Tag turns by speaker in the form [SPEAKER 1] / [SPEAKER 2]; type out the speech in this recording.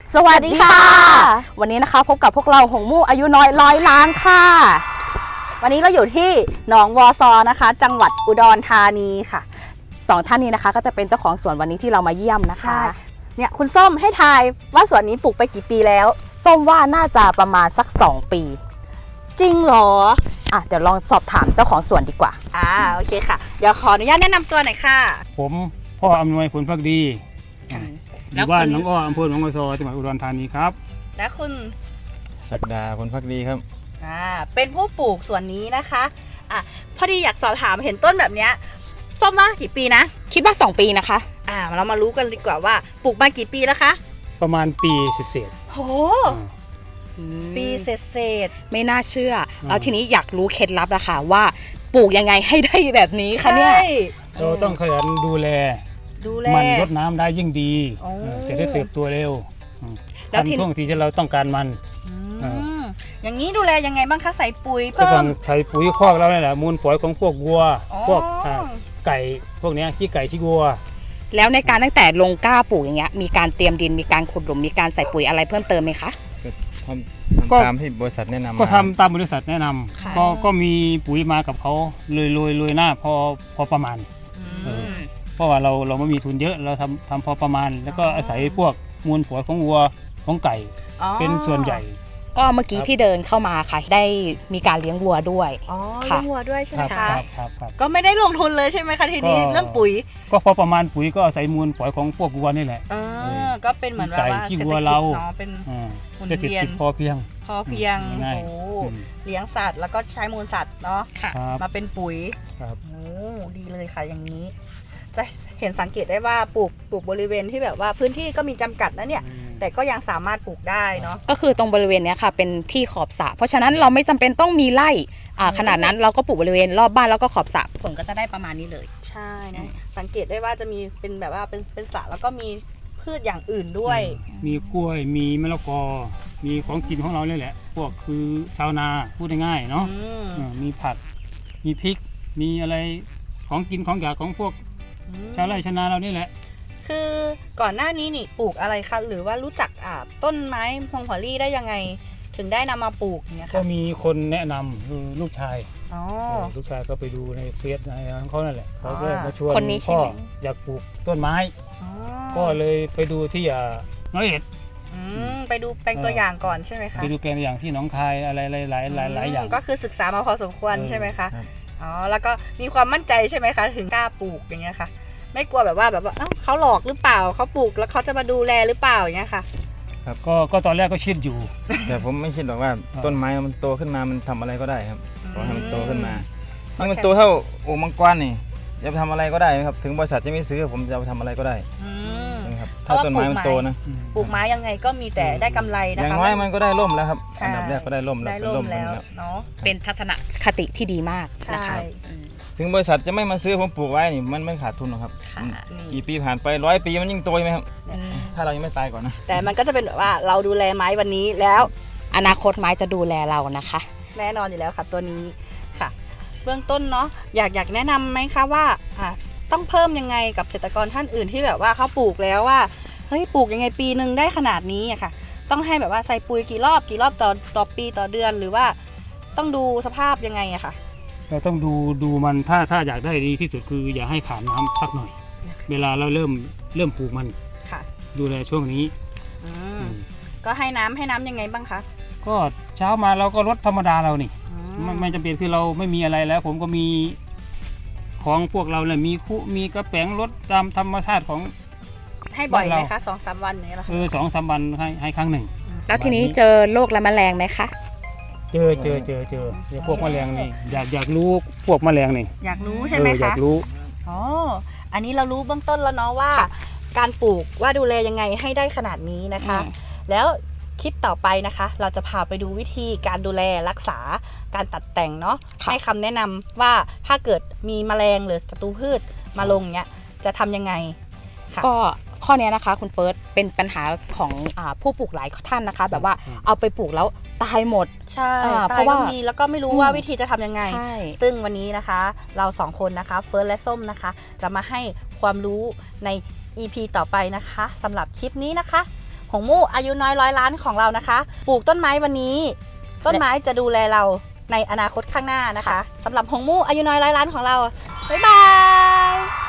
[SPEAKER 1] สวัสดีค่ะวันนี้นะคะพบกับพวกเราหงมู่อายุน้อย100 ล้านค่ะ
[SPEAKER 2] วันนี้เราอยู่ที่หนองวอซอนะคะจังหวัดอุดรธานีค่ะ
[SPEAKER 1] 2 ท่านนี้นะคะก็จะเป็นเจ้าของสวนวันนี้ที่เรามาเยี่ยมนะคะ
[SPEAKER 2] เนี่ยคุณส้มให้ทายว่าสวนนี้ปลูกไปกี่ปีแล้ว
[SPEAKER 1] ส้มว่าน่าจะประมาณสัก2 ปี
[SPEAKER 2] จริงเหรอ
[SPEAKER 1] เดี๋ยวลองสอบถามเจ้าของสวนดีกว่า
[SPEAKER 2] โอเคค่ะเดี๋ยวขออนุญาตแนะนำตัวหน่อยค่ะ
[SPEAKER 3] ผมพ่ออำนวยผลพักดีอยู่บ้านน้องอ้ออำเภอหนองวัวซอจังหวัดอุดรธานีครับ
[SPEAKER 2] และคุณ
[SPEAKER 4] ศักดาผลพักดีครับ
[SPEAKER 2] เป็นผู้ปลูกสวนนี้นะคะพอดีอยากสอบถามเห็นต้นแบบเนี้ยส้มว่ากี่ปีนะ
[SPEAKER 1] คิดว่า2 ปีนะคะ
[SPEAKER 2] เรามารู้กันดีกว่าว่าปลูกมากี่ปีแล้วคะ
[SPEAKER 3] ประมาณปีเศษ
[SPEAKER 2] โหปีเศษ
[SPEAKER 1] ไม่น่าเชื่อแล้วทีนี้อยากรู้เคล็ดลับนะคะว่าปลูกยังไงให้ได้แบบนี้คะเนี่ย
[SPEAKER 3] เราต้องขยันดูแลมันรดน้ำได้ยิ่งดีจะได้เติบโตเร็วทันท่วงทีที่เราต้องการมัน
[SPEAKER 2] อย่างนี้ดูแลยังไงบ้างคะใส่ปุ๋ยเพิ่ม
[SPEAKER 3] ใส่ปุ๋ยคอกเราเนี่ยแหละมูลฝอยของพวกวัวพวกไก่พวกนี้ขี้ไก่ขี้วัว
[SPEAKER 1] แล้วในการตั้งแต่ลงกล้าปลูกอย่างเงี้ยมีการเตรียมดินมีการขุดหลุมมีการใส่ปุ๋ยอะไรเพิ่มเติมไหมคะ
[SPEAKER 4] ก็ตามที่บริษัทแนะนำ
[SPEAKER 3] ก็ทำตามบริษัทแนะนำก็มีปุ๋ยมากับเขาเลยหน้าพอประมาณเพราะว่าเราไม่มีทุนเยอะเราทำพอประมาณแล้วก็อาศัยพวกมูลฝอยของวัวของไก่เป็นส่วนใหญ่
[SPEAKER 1] ก็เมื่อกี้ที่เดินเข้ามาค่ะได้มีการเลี้ยงวัวด้วย
[SPEAKER 2] เลี้ยงวัวด้วยใช่ไหมคะ
[SPEAKER 3] ครับ
[SPEAKER 2] ก็ไม่ได้ลงทุนเลยใช่ไหมคะทีนี้เรื่องปุ๋ย
[SPEAKER 3] ก็พอประมาณปุ๋ยก็อาศัยมูลฝอยของพวกวัวนี่แหละ
[SPEAKER 2] ก็เป็นเหมือนว่า
[SPEAKER 3] เศรษฐกิจเนาะ
[SPEAKER 2] เป็น
[SPEAKER 3] เศรษฐกิจพอเพียง
[SPEAKER 2] เลี้ยงสัตว์แล้วก็ใช้มูลสัตว์เนาะมาเป็นปุ๋ยดีเลยค่ะอย่างนี้จะเห็นสังเกตได้ว่าปลูกบริเวณที่แบบว่าพื้นที่ก็มีจำกัดนะเนี่ยแต่ก็ยังสามารถปลูกได้เนาะ
[SPEAKER 1] ก็คือตรงบริเวณนี้ค่ะเป็นที่ขอบสระเพราะฉะนั้นเราไม่จำเป็นต้องมีไร่ขนาดนั้นเราก็ปลูกบริเวณรอบบ้านแล้วก็ขอบสระผลก็จะได้ประมาณนี้เลย
[SPEAKER 2] ใช่นะสังเกตได้ว่าจะมีเป็นแบบว่าเป็นสระแล้วก็มีพืชอย่างอื่นด้วย
[SPEAKER 3] มีกล้วยมีมะละกอมีของกินของเราเลยแหละพวกคือชาวนาพูดง่ายๆเนาะมีผักมีพริกมีอะไรของกินของอยากของพวกชาวไร่ชาวนาเรานี่แหละ
[SPEAKER 2] คือก่อนหน้านี้นี่ปลูกอะไรคะหรือว่ารู้จักต้นไม้พวงหัวลี่ได้ยังไงถึงได้นำมาปลูกเนี่ยค่ะ
[SPEAKER 3] ก็มีคนแนะนำคือลูกชายลูกชายก็ไปดูในเฟซในของเขานั่นแหละเขาก็มาชวนพ่ออยากปลูกต้นไม้ก็เลยไปดูที่น้อยเอ็ด
[SPEAKER 2] ไปดูแปลงตัวอย่างก่อนใช่ไหมคะ
[SPEAKER 3] ไปดูแปลงตัวอย่างที่หนองคายอะไรหลายอย่าง
[SPEAKER 2] ก็คือศึกษามาพอสมควรใช่ไหมคะแล้วก็มีความมั่นใจใช่ไหมคะถึงกล้าปลูกอย่างเงี้ยค่ะไม่กลัวแบบว่าเขาหลอกหรือเปล่าเขาปลูกแล้วเขาจะมาดูแลหรือเปล่าอย่างเงี้ยค่ะ
[SPEAKER 3] ครับก็ตอนแรกก็คิดอยู่
[SPEAKER 4] แต่ผมไม่คิดหรอกว่าต้นไม้มันโตขึ้นมามันทำอะไรก็ได้ครับขอให้มันโตขึ้นมานี่มันโตเท่าโอ่งมังกรนี่จะไปทำอะไรก็ได้ครับถึงบริษัทจะไม่ซื้อผมจะไปทำอะไรก็ได้ครับถ้าต้นไม้มันโตนะ
[SPEAKER 2] ปลูกไม้ยังไงก็มีแต่ได้กำไรนะคะ
[SPEAKER 4] อย่างน้อยมันก็ได้ร่มแล้วครับอันดับแรกก็ได้ร่มแล้ว
[SPEAKER 2] เป็นร่มแล้วเนาะ
[SPEAKER 1] เป็นทัศนคติที่ดีมากนะคะ
[SPEAKER 4] ถึงบริษัทจะไม่มาซื้อผมปลูกไว้นี่มันไม่ขาดทุนหรอกครับกี่ปีผ่านไป100 ปีมันยิ่งโตไหมครับถ้าเรายังไม่ตายก่อนนะ
[SPEAKER 2] แต่มันก็จะเป็นแบบว่าเราดูแลไม้วันนี้แล้ว
[SPEAKER 1] อนาคตไม้จะดูแลเรานะคะ
[SPEAKER 2] แน่นอนอยู่แล้วค่ะตัวนี้ค่ะเบื้องต้นเนาะอยากแนะนำไหมคะว่าต้องเพิ่มยังไงกับเกษตรกรท่านอื่นที่แบบว่าเขาปลูกแล้วว่าเฮ้ยปลูกยังไงปีนึงได้ขนาดนี้อะค่ะต้องให้แบบว่าใส่ปุ๋ยกี่รอบต่อปีต่อเดือนหรือว่าต้องดูสภาพยังไงอะค่ะ
[SPEAKER 3] เราต้องดูมันถ้าอยากได้ดีที่สุดคืออย่าให้ขาดน้ำสักหน่อยเวลาเราเริ่มปลูกมันดูแลช่วงนี้
[SPEAKER 2] ก็ให้น้ำยังไงบ้างคะ
[SPEAKER 3] ก็เช้ามาเราก็รดธรรมดาเรานี่ไม่จำเป็นคือเราไม่มีอะไรแล้วผมก็มีของพวกเราเลยมีกระแป้งรดตามธรรมชาติของ
[SPEAKER 2] ให้บ่อยไหมคะ2-3 วันนี้หรอ
[SPEAKER 3] 2-3 วันให้ครั้งหนึ่ง
[SPEAKER 1] แล้วทีนี้เจอโรคและแมลงไหมคะ
[SPEAKER 3] เจอพวกแมลงนี่อยากรู้พวกแมลงนี่
[SPEAKER 2] อยากรู้ใช่ไหมคะ
[SPEAKER 3] อยากรู้
[SPEAKER 2] อันนี้เรารู้เบื้องต้นแล้วเนาะว่าการปลูกว่าดูแลยังไงให้ได้ขนาดนี้นะคะแล้วคลิปต่อไปนะคะเราจะพาไปดูวิธีการดูแลรักษาการตัดแต่งเนาะให้คำแนะนำว่าถ้าเกิดมีแมลงหรือศัตรูพืชมาลงเนี้ยจะทำยังไง
[SPEAKER 1] ก็ข้อนี้นะคะคุณเฟิร์สเป็นปัญหาของผู้ปลูกหลายท่านนะคะแบบว่าเอาไปปลูกแล้วตายหมด
[SPEAKER 2] ใช่ตายก็มีแล้วก็ไม่รู้ว่าวิธีจะทำยังไงซึ่งวันนี้นะคะเรา2 คนนะคะเฟิร์สและส้มนะคะจะมาให้ความรู้ใน EP ต่อไปนะคะสำหรับคลิปนี้นะคะหงมู่อายุน้อยร้อยล้านของเรานะคะ ปลูกต้นไม้วันนี้ ต้นไม้จะดูแลเราในอนาคตข้างหน้านะคะสำหรับหงมู่อายุน้อยร้อยล้านของเราบ๊ายบาย